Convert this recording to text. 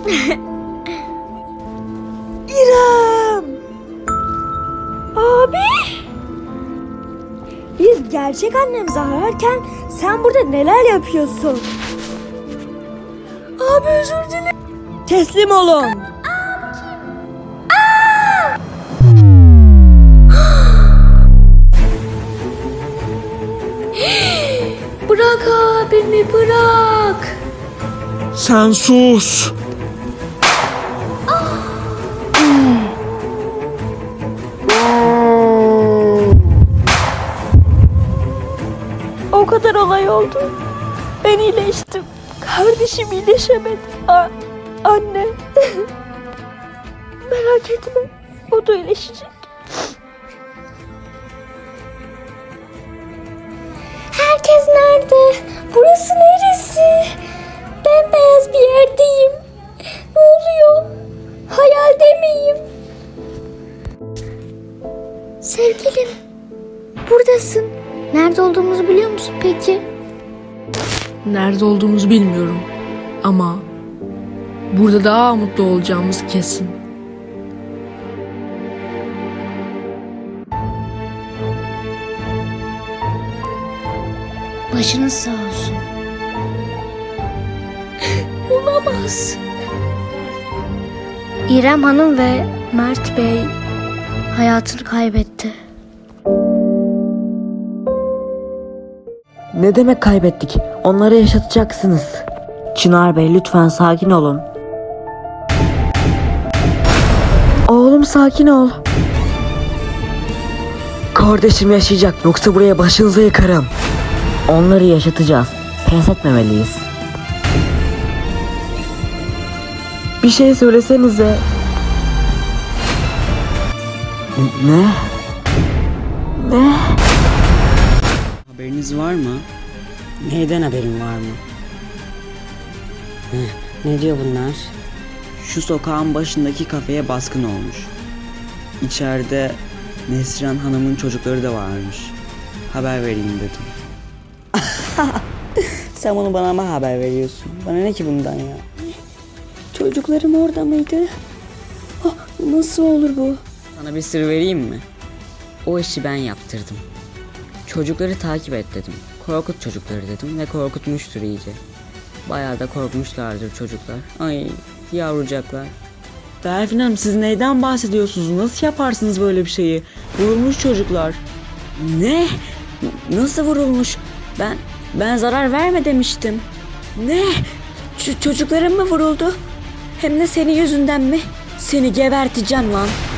İrem! Abi! Biz gerçek annemizi ararken sen burada neler yapıyorsun? Abi özür dilerim. Teslim olun. Bırak abimi, bırak. Sen sus. O kadar olay oldu. Ben iyileştim. Kardeşim iyileşemedi. Anne. Merak etme. O da iyileşecek. Herkes nerede? Burası neresi? Bembeyaz bir yerdeyim. Ne oluyor? Hayalde miyim? Sevgilim, buradasın. Nerede olduğumuzu biliyor musun peki? Nerede olduğumuzu bilmiyorum ama burada daha mutlu olacağımız kesin. Başınız sağ olsun. Olamaz. İrem Hanım ve Mert Bey hayatını kaybetti. Ne demek kaybettik? Onları yaşatacaksınız. Çınar Bey lütfen sakin olun. Oğlum sakin ol. Kardeşim yaşayacak, yoksa buraya başınıza yıkarım. Onları yaşatacağız. Pes etmemeliyiz. Bir şey söylesenize. Ne? Ne? Haberiniz var mı? Neyden haberin var mı? Ne diyor bunlar? Şu sokağın başındaki kafeye baskın olmuş. İçeride Neslihan Hanım'ın çocukları da varmış. Haber vereyim dedim. Sen bunu bana mı haber veriyorsun? Bana ne ki bundan ya? Çocuklarım orada mıydı? Nasıl olur bu? Sana bir sır vereyim mi? O işi ben yaptırdım. Çocukları takip et dedim. Korkut çocukları dedim ve korkutmuştur iyice. Bayağı da korkmuşlardır çocuklar. Ay yavrucaklar. Berfin Hanım, siz neyden bahsediyorsunuz? Nasıl yaparsınız böyle bir şeyi? Vurulmuş çocuklar. Ne? Nasıl vurulmuş? Ben zarar verme demiştim. Ne? Çocuklarım mı vuruldu? Hem de senin yüzünden mi? Seni geberteceğim lan.